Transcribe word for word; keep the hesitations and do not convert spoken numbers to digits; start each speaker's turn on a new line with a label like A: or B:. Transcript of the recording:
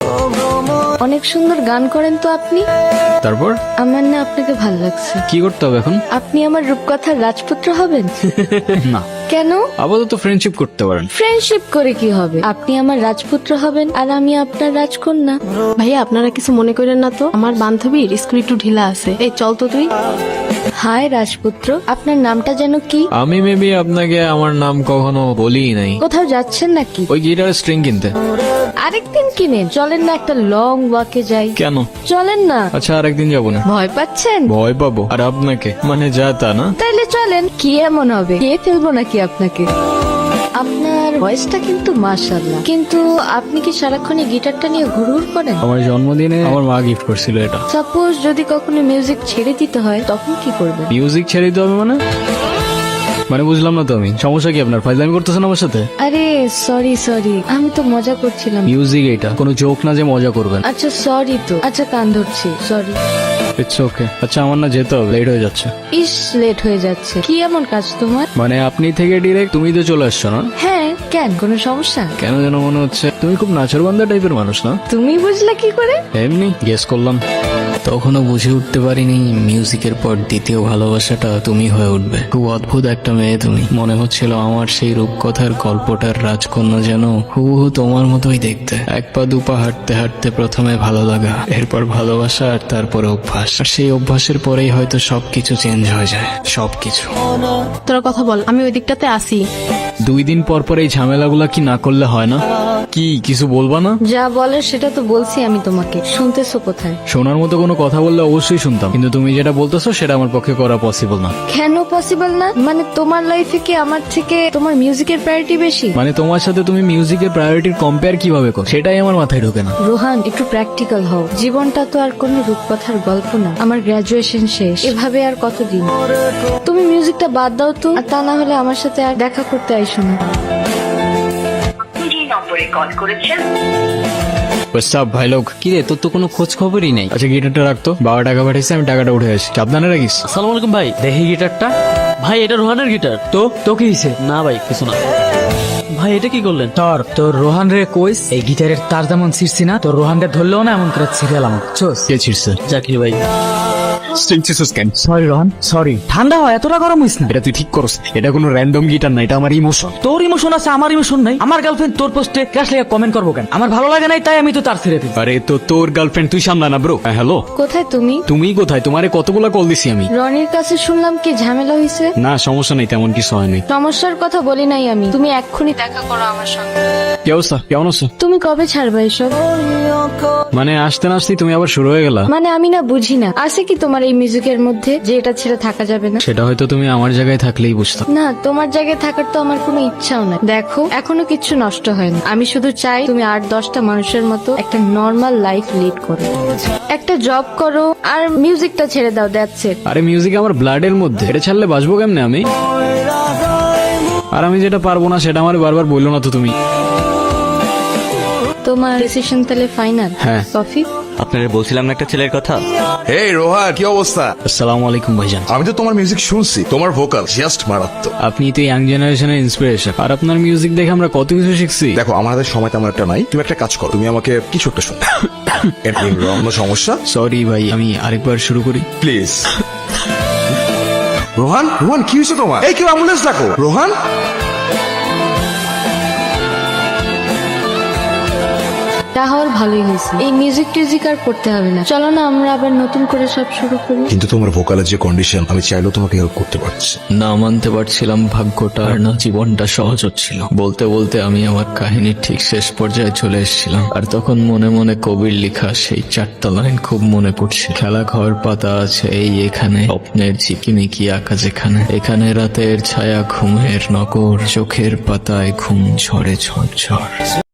A: অনেক সুন্দর গান করেন তো আপনি।
B: তারপর
A: আমার না আপনাকে ভালো লাগছে।
B: কি করতে হবে এখন?
A: আপনি আমার রূপকথার রাজপুত্র হবেন।
B: না,
A: কেন?
B: আপাতত ফ্রেন্ডশিপ করতে পারেন।
A: ফ্রেন্ডশিপ করে কি হবে? আপনি আমার রাজপুত্র হবেন আর আমি আপনার রাজকন্যা।
C: ভাইয়া আপনারা কিছু মনে করেন না তো, আমার বান্ধবীর স্কুল একটু ঢিলা আছে। এই চল তো তুই।
A: হাই রাজপুত্র, আপনার নামটা যেন কি?
B: আমি মেবি আপনাকে আমার নাম কখনো বলিই নাই।
A: কোথাও যাচ্ছেন নাকি?
B: ওই গিটার স্ট্রিং কিনতে।
A: আরেকদিন কিনেন, চলেন না একটা লং ওয়াকে যাই।
B: কেন?
A: চলেন না।
B: আচ্ছা আরেকদিন যাবো না।
A: ভয় পাচ্ছেন?
B: ভয় পাবো? আর আপনাকে মানে যা তা না।
A: তাইলে চলেন। কি এমন হবে? কে ফেলবো নাকি আপনাকে? আপনার ভয়েসটা কিন্তু মাশাআল্লাহ, কিন্তু আপনি কি সারাক্ষণ এই গিটারটা নিয়ে ঘুরঘুর করেন?
B: আমার জন্মদিনে আমার মা গিফট করছিল এটা।
A: সাপোজ যদি কখনো মিউজিক ছেড়ে দিতে হয় তখন কি করবেন?
B: মিউজিক ছেড়ে দিতে হবে মানে? মানে বুঝলাম না তো আমি। সমস্যা কি আপনার? ফাইজলামি করতেছেন আমার সাথে?
A: আরে সরি সরি, আমি তো মজা করছিলাম।
B: মিউজিক এটা কোনো জোক না যে মজা করবেন।
A: আচ্ছা সরি তো, আচ্ছা কান ধরছি, সরি।
B: It's okay. আচ্ছা আমার না যেতে হবে, লেট হয়ে যাচ্ছে।
A: ইস লেট হয়ে যাচ্ছে, কি এমন কাজ তোমার?
B: মানে আপনি থেকে ডিরেক্ট তুমি তো চলে আসছো না?
A: হ্যাঁ কেন, কোনো সমস্যা?
B: কেন যেন মনে হচ্ছে তুমি খুব নাচরবান্ধা টাইপের মানুষ না?
A: তুমি বুঝলে কি করে?
B: এমনি গেস করলাম। তখনও বুঝে উঠতে পারিনি মিউজিকের পর দ্বিতীয় ভালোবাসাটা তুমি হয়ে উঠবে। খুব অদ্ভুত একটা মেয়ে তুমি। মনে হচ্ছিল আমার সেই রূপকথার গল্পটার রাজকন্যা যেন হুবহু তোমার মতোই দেখতে। এক পা দুপা হাঁটতে হাঁটতে প্রথমে ভালো লাগা, এরপর ভালোবাসা, আর তারপরে অভ্যাস। আর সেই অভ্যাসের পরেই হয়তো সবকিছু চেঞ্জ হয়ে যায়। সবকিছু।
C: তোরা কথা বল, আমি ওই দিকটাতে আসি।
B: দুই দিন পর পর এই ঝামেলাগুলা কি না করলে হয় না? কি কিছু বলবা না?
A: যা বলে সেটা তো বলছি আমি তোমাকে, শুনতেছো কোথায়?
B: শোনার মতো কোনো কথা বললে অবশ্যই শুনতাম, কিন্তু তুমি যেটা বলতেছো সেটা আমার পক্ষে করা পসিবল না।
A: কেন পসিবল না? মানে তোমার লাইফে কি আমার থেকে তোমার মিউজিকের প্রায়োরিটি বেশি?
B: মানে তোমার সাথে তুমি মিউজিকের প্রায়োরিটির কম্পেয়ার কিভাবে করো সেটাই আমার মাথায় ঢোকে না।
A: রোহান একটু প্র্যাকটিক্যাল হও। জীবনটা তো আর কোনো রূপকথার গল্প না। আমার গ্রাজুয়েশন শেষ, এভাবে আর কতদিন? তুমি মিউজিকটা বাদ দাও তো, আর তা না হলে আমার সাথে আর দেখা করতে আইসো না।
B: ভাই লোক
D: কি রে, তোর তো কোনো খোঁজ খবরই নেই।
B: আচ্ছা গিটারটা রাখতো, বাবা টাকা পাঠিয়েছে, আমি টাকাটা উঠে আসি। সাবধানে রাখিস।
D: আসসালামু আলাইকুম ভাই, দেখি গিটারটা। ভাই এটা রোহানের গিটার। তো তো কি হয়েছে? না ভাই কিছু না। ভাই এটা কি করলেন?
E: তোর তোর রোহান রে কইস এই গিটারের তার যেমন ছিড়ছি না, তোর রোহান রে ধরলেও না এমন করে ছিড়ালাম। বুঝছস?
B: কে ছিড়ছে?
D: জাকির ভাই।
E: Sorry Rohan, sorry. ঠান্ডা হয়, এতটা গরম হইস না।
B: এটা তুই ঠিক করস। এটা কোনো র্যান্ডম গিটার না, এটা আমার ইমোশন।
E: তোর ইমোশন আছে, আমার ইমোশন নাই। আমার গার্লফ্রেন্ড তোর পোস্টে ক্রাশ লেগে কমেন্ট করবো কেন? আমার ভালো লাগে নাই, তাই আমি তো তার ছেড়ে দিই।
B: আরে তো তোর গার্লফ্রেন্ড, তুই সামলা না ব্রো। হ্যালো,
A: কোথায় তুমি?
B: তুমি কোথায়? তোমারে কতগুলা কল দিছি আমি।
A: রনির কাছে শুনলাম কি ঝামেলা হয়েছে।
B: না সমস্যা নেই, তেমন কিছু হয়নি।
A: সমস্যার কথা বলি নাই আমি, তুমি এক্ষুনি দেখা করো আমার সঙ্গে।
B: কি অবস্থা? কেমন আছো?
A: তুমি কবে ছাড়বা এসব?
B: মানে আসতে না আসতেই তুমি আবার শুরু হয়ে গেলা।
A: মানে আমি না বুঝি না, আছে কি তোমার এই মিউজিকের মধ্যে যে এটা ছেড়ে থাকা যাবে না?
B: সেটা হয়তো তুমি আমার জায়গায় থাকলেই বুঝতাম।
A: না, তোমার জায়গায় থাকার তো আমার কোনো ইচ্ছাও নাই। দেখো এখনো কিচ্ছু নষ্ট হয়নি। আমি শুধু চাই তুমি আট দশটা মানুষের মতো একটা নর্মাল লাইফ লিড করো, একটা জব করো, আর মিউজিকটা ছেড়ে দাও। That's it.
B: আরে মিউজিক আমার ব্লাডের মধ্যে, এটা ছাড়লে বাঁচবো কেমনে আমি? আর আমি যেটা পারবো না সেটা আমার বারবার বললো না তো তুমি।
A: তোমার ডিসিশন তাহলে ফাইনাল?
B: হ্যাঁ।
A: কফি?
F: আপনারা বলছিলাম না একটা ছেলের কথা।
G: এই রোহান, কি অবস্থা?
B: আসসালামু আলাইকুম ভাইজান।
G: আমি তো তোমার মিউজিক শুনছি, তোমার ভোকাল জাস্ট মারাত্মক।
B: আপনি তো ইয়াং জেনারেশনের ইন্সপিরেশন, আর আপনার মিউজিক দেখে আমরা কত কিছু শিখছি।
G: দেখো আমাদের সময় তেমন একটা নাই, তুমি একটা কাজ করো, তুমি আমাকে কিছু একটা শোনো। কোনো সমস্যা?
B: সরি ভাই, আমি আরেকবার শুরু করি
G: প্লিজ। রোহান, রোহান কি হয়েছে তোমার? এই কেউ অ্যাম্বুলেন্স ডাকো। রোহান,
A: তাহলে ভালোই হয়েছে। এই মিউজিক টিউজিক আর করতে হবে না। চলো না আমরা আবার নতুন করে সব শুরু করি।
G: কিন্তু তোমার ভোকালের যে কন্ডিশন, আমি চাইলেও তোমাকে হেল্প করতে পারছি
B: না। মানতে পারছিলাম ভাগ্যটা আর না জীবনটা সহজ হচ্ছিল। বলতে বলতে আমি আমার কাহিনীর ঠিক শেষ পর্যায়ে চলে এসেছিলাম, আর তখন মনে মনে কবির লেখা সেই চারটা লাইন খুব মনে পড়ছে। খেলা ঘর পাতা আছে এই এখানে, স্বপ্নের ঝিকিমিকি আঁকা যেখানে, এখানে রাতের ছায়া ঘুমের নগর, চোখের পাতায় ঘুম ঝরে ঝড় ঝড়।